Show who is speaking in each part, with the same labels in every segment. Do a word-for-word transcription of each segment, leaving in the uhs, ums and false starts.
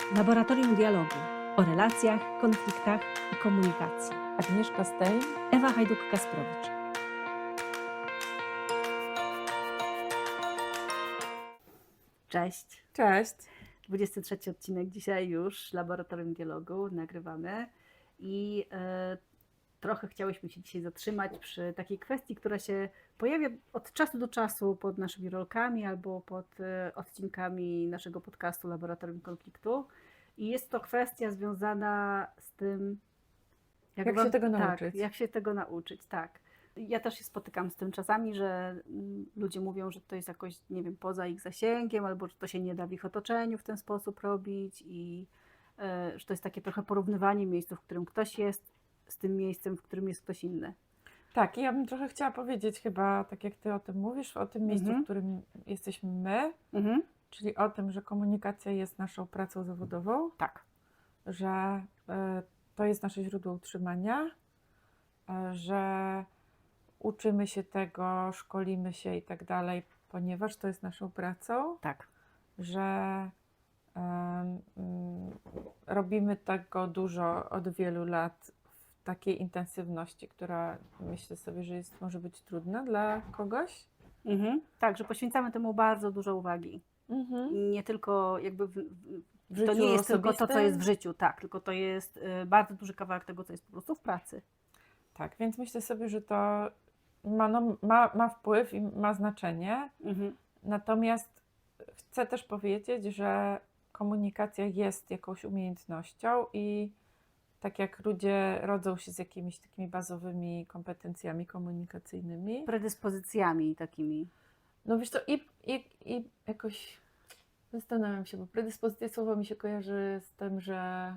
Speaker 1: Laboratorium Dialogu o relacjach, konfliktach i komunikacji.
Speaker 2: Agnieszka Stein,
Speaker 1: Ewa Hajduk-Kasprowicz. Cześć.
Speaker 2: Cześć.
Speaker 1: dwudziesty trzeci odcinek dzisiaj już Laboratorium Dialogu nagrywamy i e, trochę chciałyśmy się dzisiaj zatrzymać przy takiej kwestii, która się pojawia od czasu do czasu pod naszymi rolkami albo pod e, odcinkami naszego podcastu Laboratorium Konfliktu. I jest to kwestia związana z tym,
Speaker 2: Jak się tego nauczyć.
Speaker 1: Tak, jak się tego nauczyć, tak. Ja też się spotykam z tym czasami, że mm, ludzie mówią, że to jest jakoś, nie wiem, poza ich zasięgiem, albo że to się nie da w ich otoczeniu w ten sposób robić i e, że to jest takie trochę porównywanie miejsca, w którym ktoś jest, z tym miejscem, w którym jest ktoś inny.
Speaker 2: Tak, i ja bym trochę chciała powiedzieć chyba, tak jak Ty o tym mówisz, o tym miejscu,
Speaker 1: Mhm.
Speaker 2: w którym jesteśmy my,
Speaker 1: Mhm.
Speaker 2: czyli o tym, że komunikacja jest naszą pracą zawodową,
Speaker 1: Tak.
Speaker 2: że y, to jest nasze źródło utrzymania, y, że uczymy się tego, szkolimy się i tak dalej, ponieważ to jest naszą pracą,
Speaker 1: Tak.
Speaker 2: że y, y, robimy tego dużo od wielu lat w takiej intensywności, która myślę sobie, że jest, może być trudna dla kogoś.
Speaker 1: Mhm. Tak, że poświęcamy temu bardzo dużo uwagi.
Speaker 2: Mhm.
Speaker 1: Nie tylko jakby w, w,
Speaker 2: W
Speaker 1: to
Speaker 2: życiu
Speaker 1: nie jest tylko to, co
Speaker 2: osobistym.
Speaker 1: jest w życiu, tak, tylko to jest y, bardzo duży kawałek tego, co jest po prostu w pracy.
Speaker 2: Tak, więc myślę sobie, że to ma, no, ma, ma wpływ i ma znaczenie.
Speaker 1: Mhm.
Speaker 2: Natomiast chcę też powiedzieć, że komunikacja jest jakąś umiejętnością i tak jak ludzie rodzą się z jakimiś takimi bazowymi kompetencjami komunikacyjnymi,
Speaker 1: Predyspozycjami takimi.
Speaker 2: no wiesz to i, i, i jakoś zastanawiam się, bo predyspozycja słowo mi się kojarzy z tym, że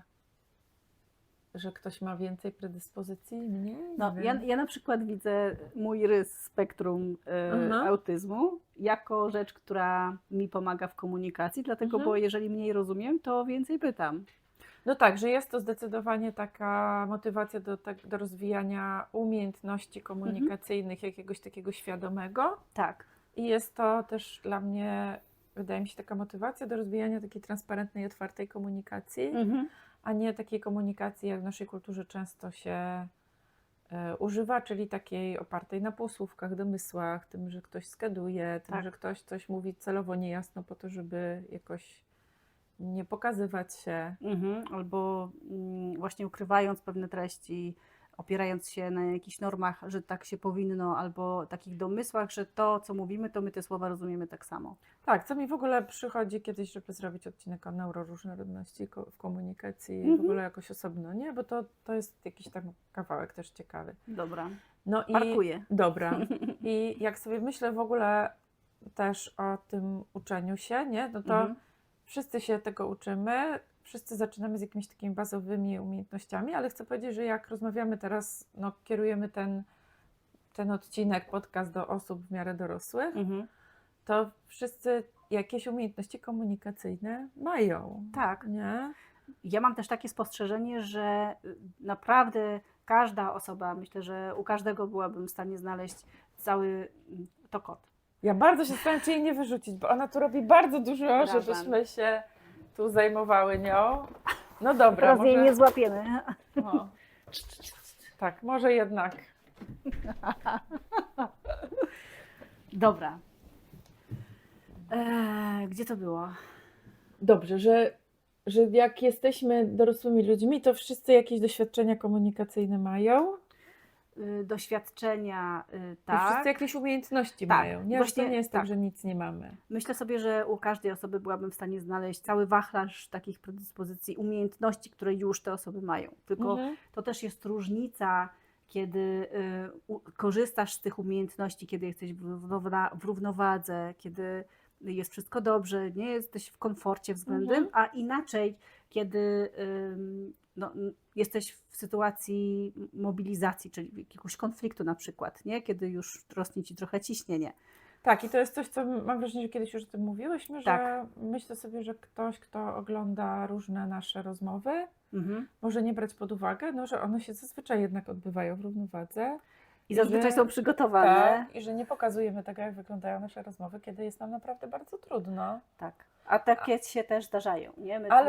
Speaker 2: że ktoś ma więcej predyspozycji, mniej? Nie
Speaker 1: No,
Speaker 2: wiem.
Speaker 1: ja, ja na przykład widzę mój rys spektrum e,
Speaker 2: Aha.
Speaker 1: autyzmu jako rzecz, która mi pomaga w komunikacji, dlatego,
Speaker 2: Mhm.
Speaker 1: bo jeżeli mniej rozumiem, to więcej pytam.
Speaker 2: No tak, że jest to zdecydowanie taka motywacja do, tak, do rozwijania umiejętności komunikacyjnych, jakiegoś takiego świadomego.
Speaker 1: Tak.
Speaker 2: I jest to też dla mnie, wydaje mi się, taka motywacja do rozwijania takiej transparentnej, otwartej komunikacji,
Speaker 1: Mhm.
Speaker 2: a nie takiej komunikacji, jak w naszej kulturze często się y, używa, czyli takiej opartej na półsłówkach, domysłach, tym, że ktoś skeduje, tym,
Speaker 1: Tak.
Speaker 2: że ktoś coś mówi celowo niejasno po to, żeby jakoś nie pokazywać się.
Speaker 1: Mhm. Albo mm, właśnie ukrywając pewne treści, opierając się na jakichś normach, że tak się powinno, albo takich domysłach, że to, co mówimy, to my te słowa rozumiemy tak samo.
Speaker 2: Tak, co mi w ogóle przychodzi kiedyś, żeby zrobić odcinek o neuroróżnorodności ko- w komunikacji,
Speaker 1: Mhm.
Speaker 2: w ogóle jakoś osobno, nie? Bo to, to jest jakiś tam kawałek też ciekawy.
Speaker 1: Dobra.
Speaker 2: No i
Speaker 1: Parkuję.
Speaker 2: dobra. I jak sobie myślę w ogóle też o tym uczeniu się, nie? No to
Speaker 1: Mhm.
Speaker 2: wszyscy się tego uczymy, wszyscy zaczynamy z jakimiś takimi bazowymi umiejętnościami, ale chcę powiedzieć, że jak rozmawiamy teraz, no kierujemy ten, ten odcinek, podcast do osób w miarę dorosłych,
Speaker 1: Mhm.
Speaker 2: to wszyscy jakieś umiejętności komunikacyjne mają.
Speaker 1: Tak.
Speaker 2: Nie?
Speaker 1: Ja mam też takie spostrzeżenie, że y, naprawdę każda osoba, myślę, że u każdego byłabym w stanie znaleźć cały mm, to kot.
Speaker 2: Ja bardzo się staram, czy jej nie wyrzucić, bo ona tu robi bardzo dużo,
Speaker 1: Przepraszam.
Speaker 2: żebyśmy się tu zajmowały nią. No dobra,
Speaker 1: Teraz
Speaker 2: może...
Speaker 1: jej nie złapiemy.
Speaker 2: O. Tak, może jednak.
Speaker 1: Dobra. Eee, gdzie to było?
Speaker 2: Dobrze, że, że jak jesteśmy dorosłymi ludźmi, to wszyscy jakieś doświadczenia komunikacyjne mają
Speaker 1: Y, doświadczenia, y,
Speaker 2: i wszyscy
Speaker 1: tak.
Speaker 2: jakieś umiejętności
Speaker 1: Tak,
Speaker 2: mają. Nie,
Speaker 1: właśnie
Speaker 2: to nie jest tak,
Speaker 1: tak.
Speaker 2: że nic nie mamy.
Speaker 1: Myślę sobie, że u każdej osoby byłabym w stanie znaleźć cały wachlarz takich predyspozycji, umiejętności, które już te osoby mają. Tylko
Speaker 2: Mhm.
Speaker 1: to też jest różnica, kiedy y, u, korzystasz z tych umiejętności, kiedy jesteś w, równowa- w równowadze, kiedy jest wszystko dobrze, nie jesteś w komforcie względem,
Speaker 2: Mhm.
Speaker 1: a inaczej, kiedy ym, no, n- jesteś w sytuacji mobilizacji, czyli jakiegoś konfliktu na przykład, nie? Kiedy już rośnie ci trochę ciśnienie.
Speaker 2: Tak, i to jest coś, co mam wrażenie, że kiedyś już o tym mówiłyśmy,
Speaker 1: Tak.
Speaker 2: że myślę sobie, że ktoś, kto ogląda różne nasze rozmowy,
Speaker 1: Mhm.
Speaker 2: może nie brać pod uwagę, no, że one się zazwyczaj jednak odbywają w równowadze.
Speaker 1: I zazwyczaj
Speaker 2: że-
Speaker 1: są przygotowane.
Speaker 2: Tak, i że nie pokazujemy tego, jak wyglądają nasze rozmowy, kiedy jest nam naprawdę bardzo trudno.
Speaker 1: Tak. A takie się też zdarzają, nie? My
Speaker 2: Ale